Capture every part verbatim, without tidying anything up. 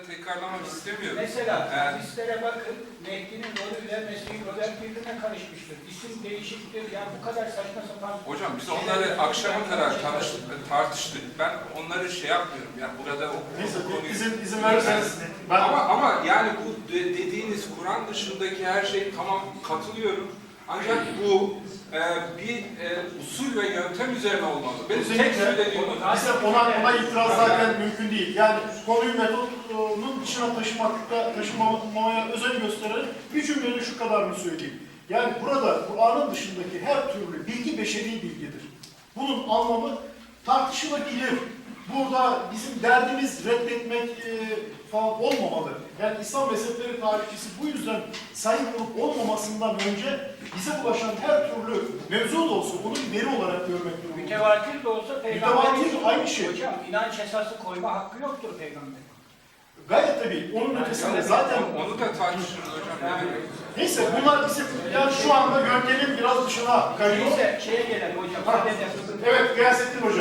tekrarlamak istemiyorum. Mesela Ee, hadislere bakın, Mehdi'nin rolüyle Mesih Robert birbirine karışmıştır. İsim değişiktir. Ya bu kadar saçma sapan... Hocam biz onları akşama kadar tanıştık, tartıştık. Ben onları şey yapmıyorum. Yani burada o, Neyse, o konuyu... izin, izin verirseniz ben... Ama, ama yani bu de, dediğiniz Kur'an dışındaki her şey tamam katılıyorum. Ancak bu e, bir e, usul ve yöntem üzerine olmalı. Benim tek söylediğim o. Bize ona, ona itiraz zaten mümkün değil. Yani konuyu metodunun dışına taşımakta, taşımamaya özen göstererek bir cümleyle şu kadarını söyleyeyim. Yani burada Kur'an'ın dışındaki her türlü bilgi beşeri bilgidir. Bunun anlamı tartışılabilir. Burada bizim derdimiz reddetmek e, falan olmamalı. Yani İslam mezhepleri tarihçisi bu yüzden sayı olup olmamasından önce bize ulaşan her türlü mevzu da olsa onu bir veri olarak görmek durumunda. Mütevatir de olsa peygamberin... Mütevatir aynı şey. Hocam inanç esası koyma hakkı yoktur peygamber. Gayet tabii. Onun Yani ötesinde zaten... Onu da tartışırız hocam. Yani, Neyse bunlar bizim yani şu anda yöntemin biraz dışına kayıyor. neyse şeye gelelim hocam. Ha. Evet Gıyasettin Hoca.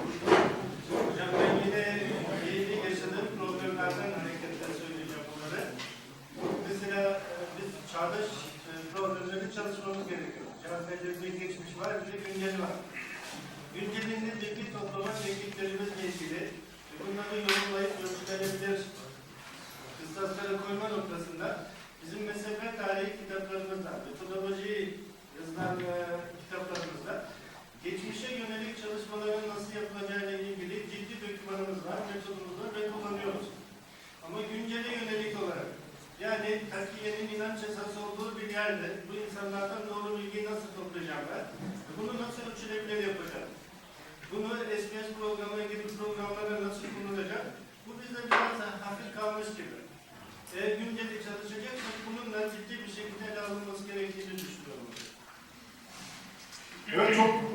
Hocam ben yine yeni yaşadığım problemlerden hareketle söyleyeceğim bunları. Mesela e, biz çağdaş e, problemleri çalışmamız gerekiyor. Çağdaş'ta bir geçmiş var, bir de günceli var. Güncelinde bilgi toplamak tekniklerimizle ilgili bunları yorumlayıp ölçülenebilir kıstaslara koyma noktasında bizim mezhep tarihi kitaplarımızda, metodoloji yazılan e, kitaplarımızda geçmişe yönelik çalışmaların nasıl yapılacağıyla ilgili ciddi dokümanımız var, metodumuz var ve kullanıyoruz. Ama güncele yönelik olarak, yani takiyenin inanç esası olduğu bir yerde bu insanlardan doğru bilgiyi nasıl toplayacaklar, bunu nasıl ölçülebilir yapacak, bunu S B S programı gibi programlara nasıl kullanacak, bu bizde biraz hafif kalmış gibi. Eğer günceli çalışacaksak bununla ciddi bir şekilde ele alınması gerektiğini düşünüyorum. Evet çok